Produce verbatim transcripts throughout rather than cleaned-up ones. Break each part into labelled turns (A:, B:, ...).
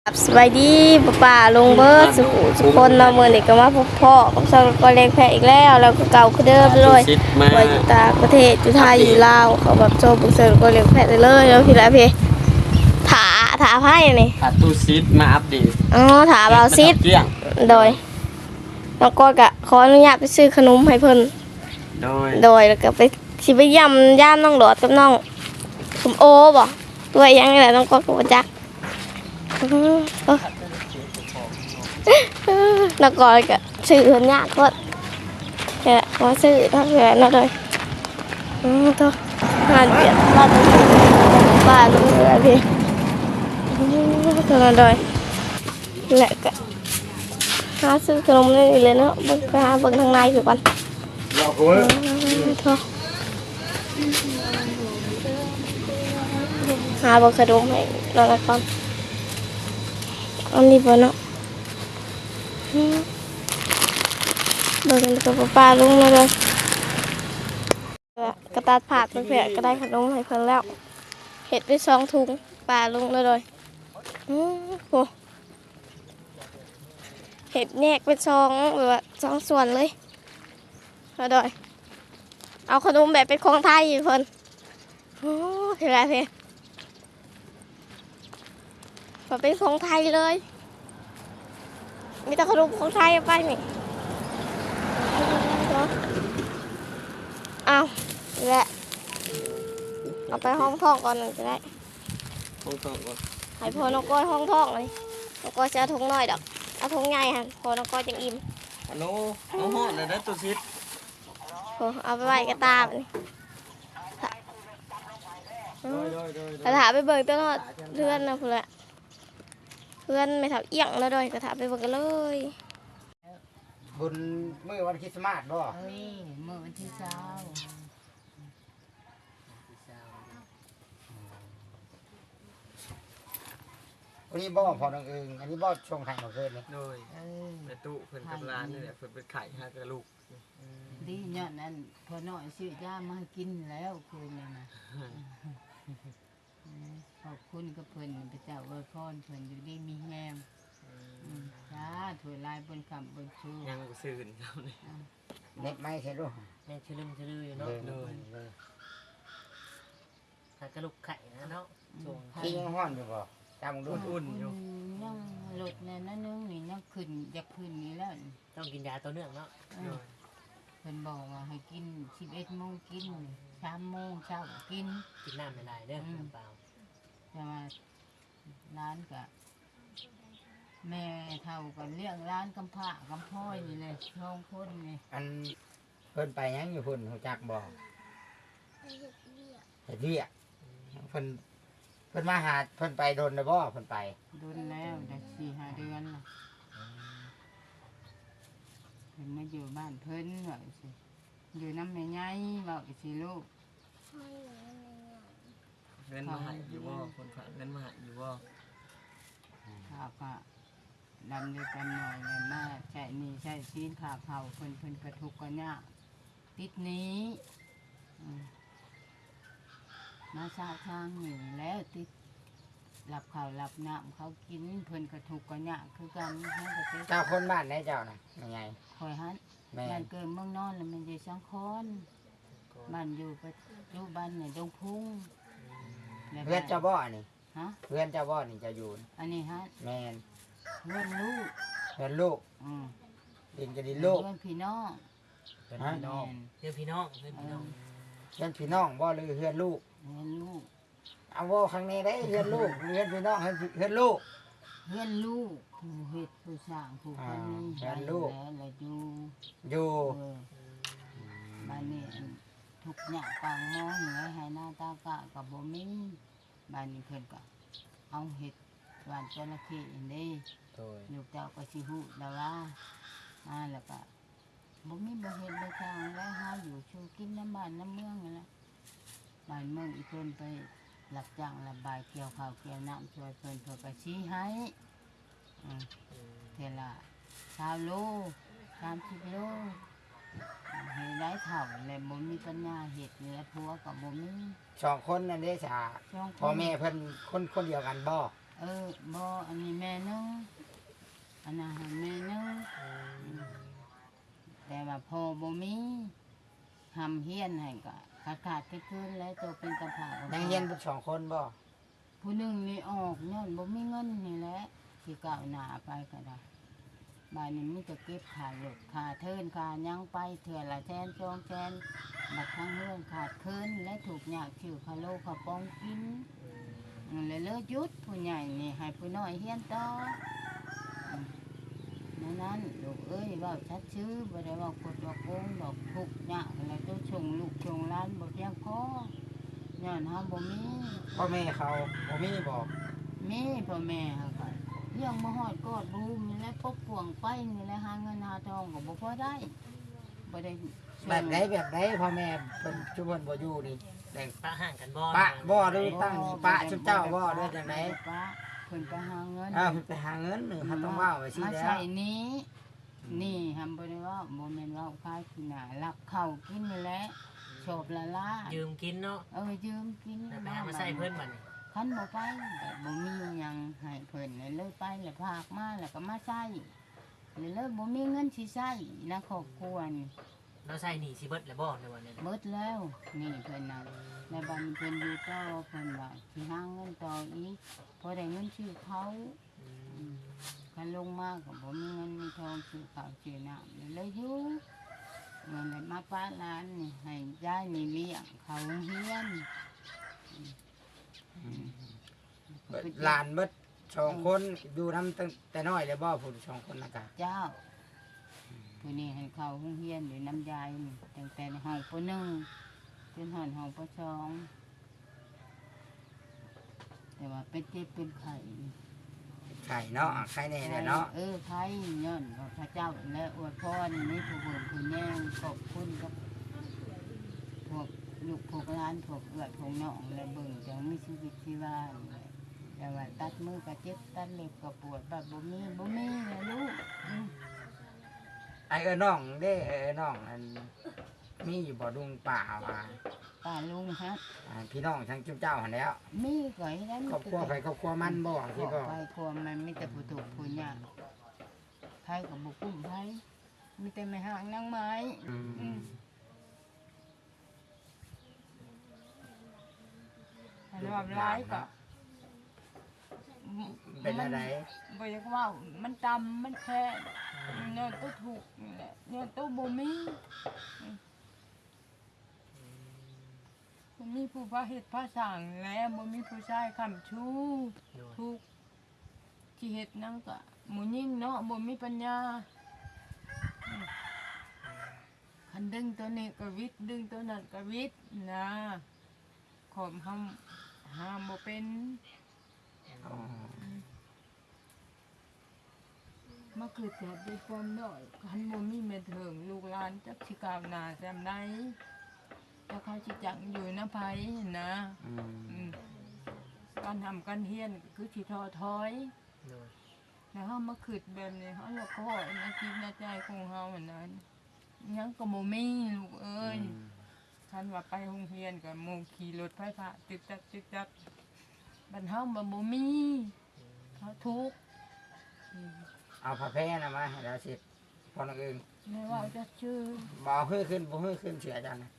A: สบายดีป้าป่าลุงเบิร์ดสุขุสุขคนเราเมื่อนี้ก็มาพบพ่อกับสาวก็เล็กแพะอีกแล้วแล้วก็เก่าคือเดิมเลยว่าอยู่ต่างประเทศอยู่ไทยอยู่ลาวเขาแบบโชว์บุกเซอร์ก็เล็กแพะเลยเลยแล้วพี่ละพี่ถาถาไพ่นี่
B: ถาตู้ซิดมาอัปเดต
A: อ๋อถาเบาซิดโดยน้องก้อยกะขออนุญาตไปซื้อขนมให้เพิ่น
B: โดย
A: โดยแล้วก็ไปชิไปย่ำย่ามน้องหลอดกับน้องสมโอบ่ตัวยังไงล่ะน้องก้อยก็บ่จักแล้วก็ก็ซื้อคนยากก็แค่ว่าซื้อทั้งแหวนนั่นเลยอืมตัวงานเปลี่ยนบ้านบ้านลุงเลยพี่ตัวนั้นเลยแหละก็หาซื้อขนมนี่เลยเนาะเบิ่งไปหาเบิ่งทางในสิก่อนตัวหาเบิ่งขนมให้เราละก่อนอันนี้บ่เนาะเบิ่งกับป้าลุงเลยกระตัดผักเพื่อก็ได้ขนมให้เพิ่นแล้วเห็ดไปสองถุงป้าลุงเลยอือโหเห็ดแยกเป็นสองแบบว่าสองส่วนเลยมาดอยเอาขนมแบบเป็นของไทยอยู่เพิ่นโอ้เห็นไรเพ่แบบเป็นของไทยเลยมีแต่ขนมของไทยไปนี่เอาแหละเอาไปห้องท่องก่อนหนึ่งจะได้
B: ห้องท่องก่อน
A: ให้พอนกก้อยห้องท่องเลยนกก้อยจะถุงน้อยดอกเอาถุงใหญ่ฮะพอนกก้อยจังอิ่ม
B: ฮัลโหลเอาหอดเลยนะตู้ซิด
A: เอาไปไว้กระตาบนี่กระถาไปเบิ่งตลอดเพื่อนนะเพื่อนเพื่อนไม่ทับเอียงแล้วด้วยกระถาไปเบิ่งกันเลย
C: บุญมื้อวันคริสต์มาสบ่
D: เอ้ยมื้อวันที่เช้า
C: วันนี้บ่พอน้องเอิงอันนี้บ่ช่วงไข่มาเกินนี่
B: โดยในตู้เพิ่นกับร้านนี่แหละเพิ่นเป็นไข่ห้ากระลูก
D: ดีย้อนนั้นพอน้อยซื้อยามาให้กินแล้วคืนนี้นะขอบคุณกับเพิ่นพระเจ้าอวยพรเพิ่นอยู่ดีมีแฮงจ้าถวยลายบนคำบนชู
B: ยังบ่ซื่นครับนี่
C: เน็ตไม้ใช่ลูก
E: แม่ชื่อลืมชื่อลือเนาะ
B: เลย
E: ถ้ากระลุกไข่นะเนาะส่ง
C: ที่ยังฮ้อนอยู่บ่จำดู
B: อุ่นอยู่
D: ยังหลดในนั้นนึงนี่ยังขึ้นอยากขึ้นนี่แล้ว
E: ต้องกินยาตัวเนื่องเนาะ
D: เพิ่นบอกว่าให้กินสิบเอ็ดโมงกินสามโมงเช้ากิน
E: กินน้ำไม่ได้เด้อเปล่า
D: แต่ว่าร้านกับแม่เท่ากันเลี้ยงร้านกำพร้ากำพ้อยนี่เลยช่องคนนี่
C: อันเพิ่นไปยังอยู่พุ่นฮู้จักบ่เฮ็ดเวียกเพิ่นเพิ่นมาหาเพิ่นไปโดนได้บ่เพิ่นไป
D: โดนแล้วได้สี่ห้าเดือนละเพิ่นมาอยู่บ้านเพิ่นว่าสิอยู่น้ำแม่ใหญ่ว่าสิลูก
B: เงินมาหาอยู่บ่คนฝากเงินมาหาอยู่บ่
D: ข้าวก็ดำด้วยกันหน่อยเลยมาใช้นี่ใช้ซีนขาเผาเพิ่นเพิ่นกระทุกกันเนี่ยติดนี้มาชาทางหนึ่งแล้วติดหลับข่าวหลับน้ำเขากินเพิ่นกระทุกกันเนี่ยคือกันให้กระติ
C: เจ้าคนบ้านไหนเจ้าน่ะยังไง
D: คอยฮันบ้านเกิดเมืองนอนแล้วมันอยู่สังคอนบ้านอยู่ปัจจุบันเนี่ยดงพุ่ง
C: เพื่อนเจ้าบ่อนี่
D: ฮะ
C: เพื่อนเจ้าบ่อนี่จะอยู่
D: อันนี้ฮะ
C: แมน
D: เพื่อนลูก
C: เพื่อนลูก
D: อืม
C: ดินจะดินลูก
D: เพื่อนพี่น้อง
E: เพื่อนพี่น้องเพื่อนพี่น้องเพื่อนพี่น้อง
C: เพื่อนพี่น้องบ่หรือเพื่อนลูก
D: เพื่อนลูก
C: เอาว่าครั้งนี้ได้เพื่อนลูกเพื่อนพี่น้องเพื่อนลูก
D: เพื่อนลูกผู้เฮ็ดผู้สร้างผู้พันนี่
C: เพื่อนลูก
D: แล้วอยู่
C: อยู่
D: บ้านนี้ทุกอย่างปางมองเหนือให้หน้าตากะกับบ่มีบ้านนี้เพิ่นก็เอาเห็ดหวานจระเข้นี่ลูกเจ้าก็สิฮู้แล้วว่าอ่าแล้วก็บ่มีบ่เฮ็ดบ่ทางแล้วหาอยู่ชูกินน้ำบ้านน้ำเมืองนั่นแหละบ้านเมืองอีเพิ่นไปรับจ้างระบายเกี่ยวข้าวเกี่ยวน้ำช่วยเพิ่นเพิ่นก็ชี้ให้อ่าเท่าละสามโลสามสิบโลให้ได้เท่าแล้วบ่มีปัญญาเฮ็ดนี่แหละผัวก็บ่มี
C: สองคนนั่นเด้จ้าพ่อแม่เพิ่นคนคนเดียวกันบ่
D: เออบ่อันนี้แม่นึงอันนั้นให้แม่นึงแต่ว่าพอบ่มีทำเฮียนให้ก็ขาดขาดๆคืนๆแล้วตัวเป็นกระเพรา
C: ยังเฮียนเป็นสองคนบ่
D: ผู้หนึ่งนี่ออกย้อนบ่มีเงินนี่แหละที่ก้าวหน้าไปก็ได้บ้านนี้มีแต่เก็บขาดหลดขาดเทินขาดยังไปเถื่อละแสนสองแสนบัดทั้งเรื่องขาดคืนและถูกยากชื่อคาโลคาปองกินเลยเลิกยุดผู้ใหญ่นี่ให้ผู้น้อยเฮียนต่อนั่นนั้นลูกเอ้ยเว่าชัดชื่อบ่ได้เว่ากดว่าโกงดอกทุกยากอะไรตัวชงลูกชงร้านบ่เพียงพอย้อนเฮาบ่มี
C: พ่อแม่เขาบ่มีบอก
D: มีพ่อแม่เขาก็เลี้ยงมาฮอดกอดบูมนี่แหละปกป่วงไปนี่แหละหาเงินหาทองก็บ่พอได้บ่ได้ส่ง
C: แบบไหนแบบไหนพ่อแม่เป็นชุมชนบ่อยู่นี่แต่
E: ปะห่างกันบ่
C: ปะบ่ด้วยตั้งนี่ปะชุมเจ้าบ่ด้วยจังได
D: ปะเพิ่นไปหาเงิน
C: อ้าวไปหาเงินหนึ่งเขาต้องว่าไว้สิ
D: มา
C: แล้
D: ใส่
C: ว
D: นี้ นี่ทำบ่ได้ว่าบ่แม่นว่าขายขี้หน้าลักเข้ากินนี่แหละชอบละล่า
E: ยืมกินเนาะ
D: เออยืมกิน
E: แล้วไปหามาใส่เพิ่นบัดนี้
D: คันบ่ไปแบบบ่มีหยังให้เพิ่นเลยเลยไปแล้วพากมาแล้วก็มาใช้เลยเลยบ่มีเงินสิใช้นะครอบครัวนี่
E: เราใส่หนีสิเบิดแล้วบ่ในวันนี้
D: เบิดแล้วนี่เพิ่นน่ะในบ้านเพิ่นอยู่ต่อเพิ่นว่าสิหาเงินต่ออีกพอได้เงินชื่อเขาอืมคันลงมาก็บ่มีเงินมีทองซื้อข้าวซื้อน้ำเลยอยู่เงินเลยมาป้าร้านนี่ให้ยายนี่เลี้ยงเขาโรงเฮียน
C: เบิดหลานเบิดสองคนอยู่นำตั้งแต่น้อยเลยบ่ผู้สองคนนะกะ
D: เจ้าผู้นี้ให้เขาโรงเฮียนอยู่น้ำยายนี่ตั้งแต่ในห้องปหนึ่งจนหอนห้องปสองแต่ว่าเป็นเจ็บเป็นไข้
C: ไข่เนาะไข่แน่แหละเนาะ
D: เออไข่ย้อนว่าพระเจ้าและอวยพรนี่ผู้เบิ่งผู้แย่งขอบคุณกับพวกลูกพวกร้านพวกเอื้อพวกน้องและเบิ่งจังมีชีวิตชีวานี่แหละแต่ว่าตัดมือก็เจ็บตัดเล็บก็ปวดแบบบ่มีบ่มีนะลูกอืม
C: ไอ้เอ้อน้องเด้เอ้อน้องอันมีอยู่บ่ดุงป่าว่า
D: ป้าลุงฮะ
C: อ่าพี่น้องทั้งจุ๊บเจ้าหันแหล้ว
D: มีก่อยแล้ว
C: ครอบครัวไปครอบครัวมันบ่ที่บ่
D: ไปครัวมันมีแต่ผู้ถูกผู้ยากไผกับบุกุ้มไผมีแต่ไม่ห่างนางไม้
C: อืม
D: อันว่าร้ายก็
C: เป็นอะไร
D: บ่อยากว่ามันดำมันแค่เนี่ยตัวถูกนี่แหละเนี่ยตัวบ่มีบ่มีผู้พาเฮ็ดพาสร้างแล้วบ่มีผู้ชายค้ำชู้
E: โดย
D: ทุกข์ที่เฮ็ดนั่นก็หมู่ยิ่งเนาะบ่มีปัญญาอืมคันดึงตัวนี้ก็วิทย์ดึงตัวนั้นก็วิทย์นะขอมห้ามห้ามบ่เป็น
C: อ๋อ
D: มาเกิดจากด้วยความน้อยคันบ่มีแม่เถิงลูกหลานจักสิก้าวหน้าแซมใดแต่เขาสิจักอยู่นำไผนะ
C: อืม
D: อืมการทำการเฮียนก็คือสิท้อถอย
E: โดย
D: แล้วเฮามาคิดแบบนี้เฮาละก็ในจิตในใจของเฮาเหมือนนั้นยังก็บ่มีลูกเอ้ยคันว่าไปโรงเรียนก็หมู่ขี่รถไฟฟ้าตึกจักตึกจักบัดเฮาบ่บ่มีเฮาทุกข์อืม
C: เอาผ้าแพร่นะมาให้เราสิพอนักอื่น
D: แม่ว่าจะชื่อ
C: บ่เอาขึ้นขึ้นบ่ขึ้นขึ้นเสียจังนะ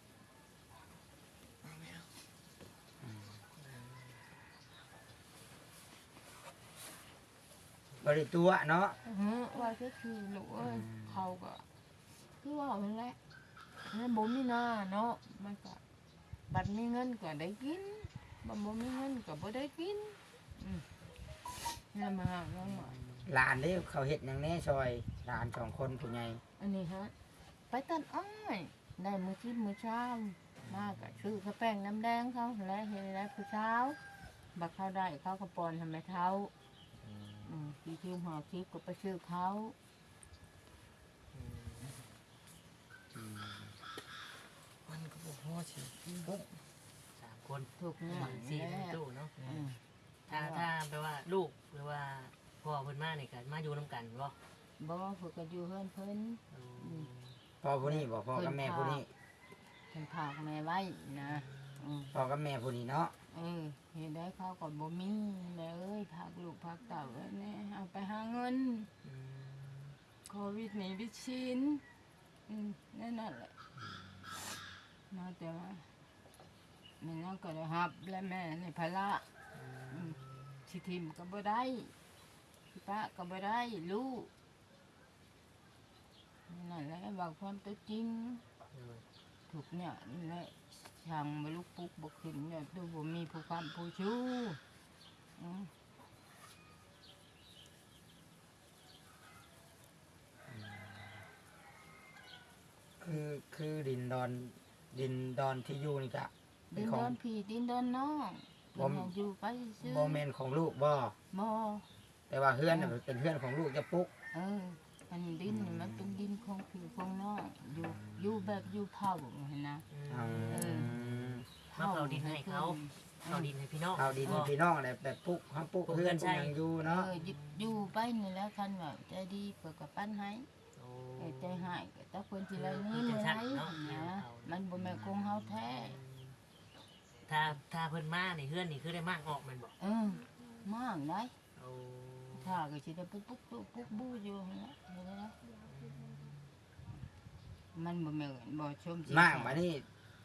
C: บริตัวเนาะ
D: อื้อหือว่าจะชื่อลูกเอ้ยเขาก็คือว่ามันแหละแล้วบ่มีหน้าเนาะมันก็บัดมีเงินก็ได้กินบัดบ่มีเงินก็บ่ได้กินอืมนี่มาหาน้องหน่อย
C: หลานนี่เขาเฮ็ดหยังแน่ซอยหลานสองคนผู้ใหญ่
D: อันนี้ฮะไปตัดอ้อยได้มือชิดมือเช้ามาก็ชื่อข้าวแป้งน้ำแดงเขาและเห็นแล้วผู้เช้าบักเขาได้เขาก็ปอนทำไมเท้าอืมที่ชื่อหอทิพย์ก็ไปชื่อเขา
B: มันก็บ่พอสิ
E: สามคน
D: ถูกเนี่ย
E: สี่
D: แล้
E: ใน
D: ว
E: ตู้เนาะ
D: อืม
E: ถ้าถ้าแปลว่าลูกหรือว่าพ่อเพิ่นมานี่ก็มาอยู่นํกันบ่
D: บ่เพิ่นก็อยู่เฮือนเพิ่น
C: พ่อผู้นี้บอกพ่อกับแม่ผู้นี้
D: เพิ่นพากแม่ไว้นะอืม
C: พ่อกับแม่ผู้นี้เนาะ
D: อเออเห็นได้เขาก็บ่มีแล้วเอ้ยพักลูกพักเต่าเอ้ยแน่เอาไปหาเงิน
E: อืม
D: โควิดนี่วิชินอืมนั่นนั่นแหละน่าแต่ว่าแม่นั่งก็ได้รับและแม่ในภาระอืมสิทิมก็บ่ได้สิป้าก็บ่ได้ลูกนั่นแหละบอกความตัวจริง
E: โดย
D: ถูกเนี่ยนี่แหละช่างบ่ลุกปุ๊กบ่ขึ้นเนี่ยดูบ่มีผู้คำผู้ชู้อืม
C: คือคือดินดอนดินดอนที่อยู่นี่ก็เป็
D: ดิ
C: น
D: น
C: ขอ
D: ด
C: ง
D: อนพี่ดินดอนน้อง
C: บ่
D: เพิ่นให้อยู่ไปซื่อ
C: บ่แม่นของลูกบ่
D: บ่
C: แต่ว่าเฮือนน่ะเป็นเฮือนของลูกจะปุ๊ก
D: เอออันดินนี่มันเป็นดินของพี่ของน้องอยู่อยู่แบบอยู่เผาเห็นนะ
E: อืม
C: อืม
E: มาเผาดินให้เขา เอาดินให้พี่น้อง
C: เอาดินให้พี่น้องแหละแบบปุ๊กเฮาปุ๊กเฮือนปุ๊กหยังอยู่
D: เอ
C: เนาะ
D: ออยู่อยู่ไปนี่แหล้วคันว่าใจดีเปิดกับปั้นให้
E: โอ้
D: เออใจหายก็ตะคนสิไรนี่มื้อไหนนะมันบ่แม่นคงเฮาแท้
E: ถ้าถ้าเพิ่นมาในเฮือนนี่คือได้มากออกแมันบอก
D: เออมากได้
E: โอ้
D: ถ้าก็สิได้ไปปุ๊กปุ๊กปุ๊กบูอยู่หั่นล่ะเห็นไหมล่ะมันบ่แม่นบ่ชมสิ
C: มากมานี่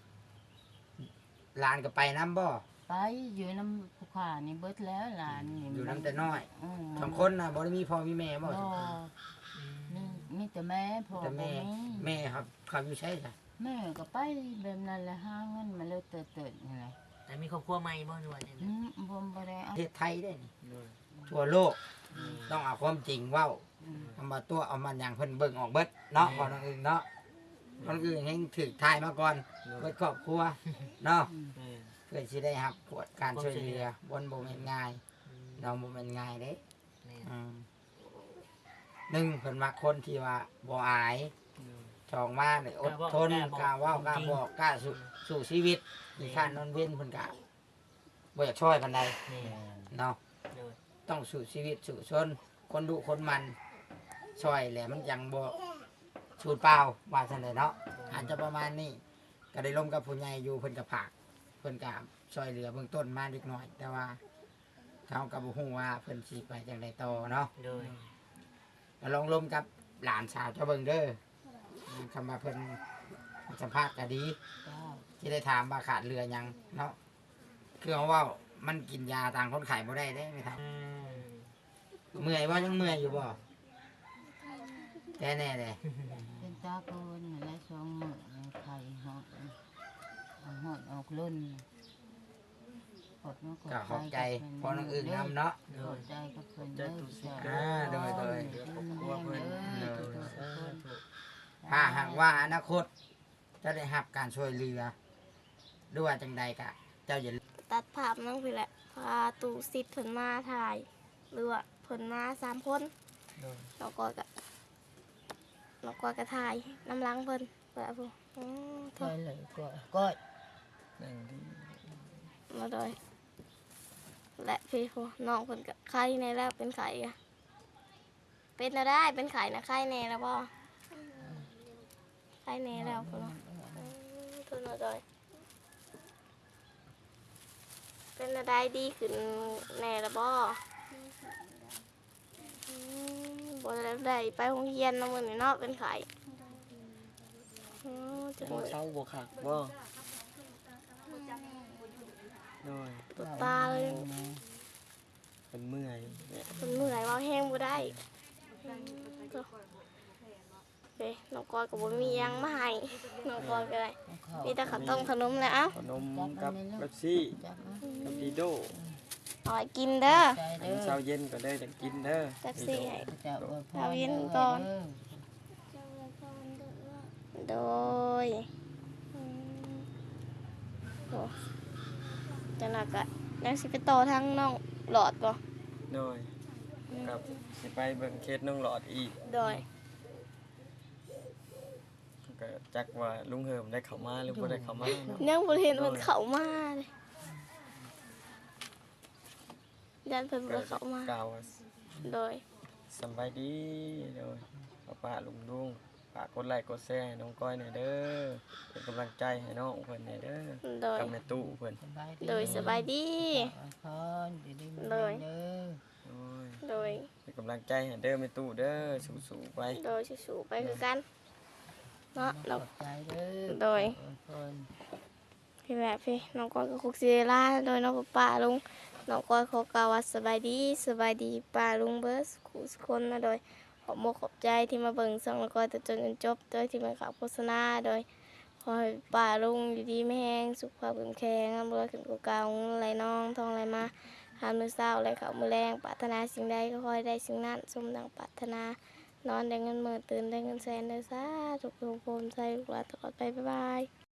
C: หลานก็ไปน้ำบ่
D: ไปอยู่นำผู้ขานี่เบิดแล้วหลานนี่
C: อยู่น้ำแต่น้อย
D: อืม
C: สองคนน่ะบ่ได้มีพ่อมีแม่บ่
D: บ่มีมีแต่แม่พ่อ
C: แต่
D: บ่
C: แม่
D: มี
C: แม่ครับเขาอยู่ใช่จ้ะ
D: แม่ก็ไปแบบนั้นแหละหาเงินมาเลยเติดๆนี่แหละ
E: แต่มีครอบครัวใหม่บ่หรือว่าจัง
D: อื
E: ได๋
D: มบ่บ่ได้
C: ป
D: เอา
C: ระเทศไทยได้นี่
E: โดย
C: ทั่วโลกต้องเอาความจริงเว้า
D: อืม
C: ทำมาตัวเอามันอย่างเพิ่นเบิ่งออกเบิดเนาะคนอื่นเนาะคนอื่นแห่งถึกทายมาก่อนเบิดครอบครัวเนาะ
E: แม่น
C: เพื่อสิได้รับผลการช่วยเหลือบนบ่แม่นง่าย
E: อืม
C: เราบ่แม่นง่ายเด้
E: แม่น
C: อืมหนึ่งเพิ่นมักคนที่ว่าบ่อาย
E: โดย
C: สองมาเนี่ยอดทนกล้าเว้ากล้าบอกกล้าสู้สู้ชีวิตมีค่านอนเว้นเพิ่นก็บ่อยากช่วยปานใด
E: แม่น
C: เนาะ
E: โดย
C: ต้องสู้ชีวิตสู้ชนคนดุคนมันช่วยแหละมันยังบ่สูดเปล่าว่าซั่นเลยเนาะอาจจะประมาณนี้ก็ได้ลมกับผู้ใหญ่อยู่เพิ่นก็ผากเพิ่นก็ช่วยเหลือเบื้องต้นมาเล็กน้อย แต่ว่าเขาก็บ่ฮู้ว่าเพิ่นสิไปจังไดต่อเนาะ
E: โดย
C: ก็ลองลมกับหลานสาวเจ้าเบิ่งเด้อคำว่าเพิ่นสัมภาษณ์ก็ดี
D: จ้า
C: ที่ได้ถามว่าขาดเรือหยังเนาะคือเขาเว่ามันกินยาต่างคนไข้บ่ได้เด้ไม่ท
E: อืม
C: ำเมื่อยว่ายังเมื่อยอยู่บ่แน่แน่เลย
D: เป็นตาเกินนั่นแหละสองมื้อไข่ฮอดเอาฮอดออกลุ่นกดมัน
C: ก็ขอบใจพอน้องอื่นนำเนาะ
D: ขอบใจกับเพิ่นเด้อ
C: อ่าโดยโดย
D: ครอบครัวเพิ่นเด้อทุกๆคน
C: ถ้าหากว่าอนาคตจะได้รับการช่วยเหลือด้วยว่าจังใดกะ เจ้าอย่าลืม
A: ตัดภาพน้องพี่แหละพาตูซิดเพิ่นมาถ่ายหรือว่าเพิ่นมาสามคน
E: โดย
A: เราก็กะเราก็กระถ่ายน้ำล้างเพิ่นเปิดผู้อืมโท
D: ก็
A: ษ
D: เลยก็ก็
A: มาโดยและพี่ผู้น้องเพิ่นกะไข้ในแล้วเป็นไข่อะเป็นแล้วได้เป็นไข่นะไข้แน่แล้วบ่ไข้แน่แล้วเพิ่นว่าอืมโทษมาโดยเป็นอะไรดีขึ้นแน่แล้วบ่อืมบ่ได้ไปโรงเรียนเนาะมื้อนี้เนาะเป็นไข่อืมจัง
B: บ่
A: เลย
B: เศร้าบ่คักบ่โดย
A: ปวดตาเลย
B: เป็นเมื่อยเนี่ย
A: เป็นเมื่อยเว่าแห้งบ่ได้เฮ้ยน้องกอยก็บ่มีหยังมาให้น้องกอยก็ได้มีแต่ข้าวต้มขนมแล้วเอ้า
B: ขนมกับเป๊ปซี่
D: จับมา
B: กับดีโด
A: เอาให้กินเด้อ
D: ใจ
B: อั
D: เด้
B: น
D: อ
B: เช้าเย็นก็ได้จะกินเด้อ
A: แป๊บซี่ให้
D: จะอวยพร
A: เอาเย็นก่อน
D: เด้อ
A: โดยอืมโอ้จังนั้นก็ยังสิไปต่อทางน้องหลอดบ่
B: โดยกับสิไปเบิ่งเคสน้องหลอดอีก
A: โดย
B: ก็จักว่าลุงเหิมได้เข้ามาหรือบ่ได้เข้ามาเนาะ
A: ยังบ่เห็นมันเข้ามาเลยยันเพิ่นบ่เข้ามา
B: กล่าวว่า
A: โดย
B: สำบายดีโดยป้าป้าลุงลุงไปากกดไลค์กดแชร์ให้น้องก้อยหน่อยเด้อเป็นกำลังใจให้น้องเพิ่นหน่อยเด้อ
A: โดย
B: กับแม่ตู้เพิ่น
D: สบายดี
A: โดยสบายดี
D: ขอพรดีดีมี
A: โดย
D: เด้อ
B: โอ้ย
A: โดย
B: เป็นกำลังใจให้เด้อแม่ตู้เด้อสู้ๆไป
A: โดยสู้ๆไปคือกันเนาะ
D: ข
A: เรา
D: อบใจเด้อ
A: โดย
D: ขอพร
A: พี่แบบพี่น้องก้อยก็คุกซีล่าโดยน้องป้าลุงน้องก้อยขอกล่าวว่าสบายดีสบายดีป้าลุงเบิร์สคู่สุคนนะโดยขอบมกขอบใจที่มาเบิ่งส่องน้องก้อยแต่จนจนจบโดยที่มาขับโฆษณาโดยขอให้ป้าลุงอยู่ดีไม่แห้งสุขภาพแข็งแรงร่ำรวยขึ้นกว่าเก่าเงินไหลน้องทองไหลมาหามือเศร้าไหลเขามือแรงปรารถนาสิ่งใดก็ขอให้ได้สิ่งนั้นสมดังปรารถนานอนได้เงินหมื่นตื่นได้เงินแสนเด้อสาธุทุกคนใจลูกหลานตลอดไปบ๊ายบาย